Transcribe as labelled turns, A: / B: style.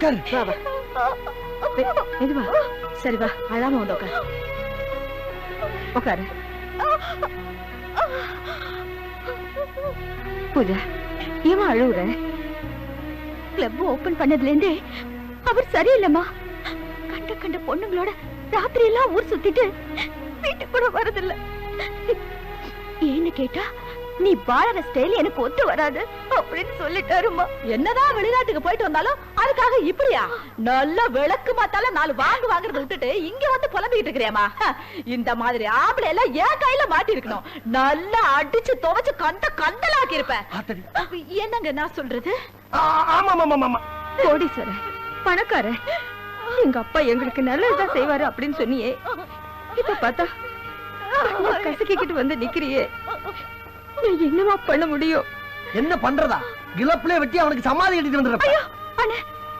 A: உட்காரு.
B: மெதுவா. சரி வா, அழாம வந்து உட்காரு. உட்காரு. பூஜா, ஏமா அழுவுற? கிளப் ஓபன் பண்ணதுல இருந்தே அவர் சரியில்லைம்மா. கண்ட கண்ட பொண்ணுங்களோட ராத்திரி எல்லாம் ஊர் சுத்திட்டு வீட்டுக்கு கூட வரதில்ல. ஏன்னு கேட்டா, நீ வாழற ஸ்டைல் எனக்கு ஒத்து வராது அப்படின்னு சொல்லிட்டாருமா. என்னதான் வெளிநாட்டுக்கு போயிட்டு வந்தாலும் அதுக்காக இப்படியா? நல்ல விளக்கு மாத்தால 4 வாங்குறத விட்டுட்டு இங்க வந்து புலம்பிக்கிட்டு இருக்கிறியாமா? இந்த மாதிரி ஆம்பளை எல்லாம் ஏன் கையில மாட்டி இருக்கணும். நல்லா அடிச்சு துவைச்சு கந்தலாக்கி இருப்பேன். என்னங்க நான் சொல்றது? கோடீஸ்வரர், பணக்கார, எங்க அப்பா எங்களுக்கு நல்லதுதான் செய்வாரு அப்படின்னு சொன்னியே. இப்ப பார்த்தா கசக்கிட்டு வந்து நிக்கிறியே. என்னமா பண்ண முடியும்?
A: என்ன பண்றதா? கிளப்ல வெட்டி அவனுக்கு சமாதி கட்டிட்டு வந்துடுறேன்.
B: அண்ணே,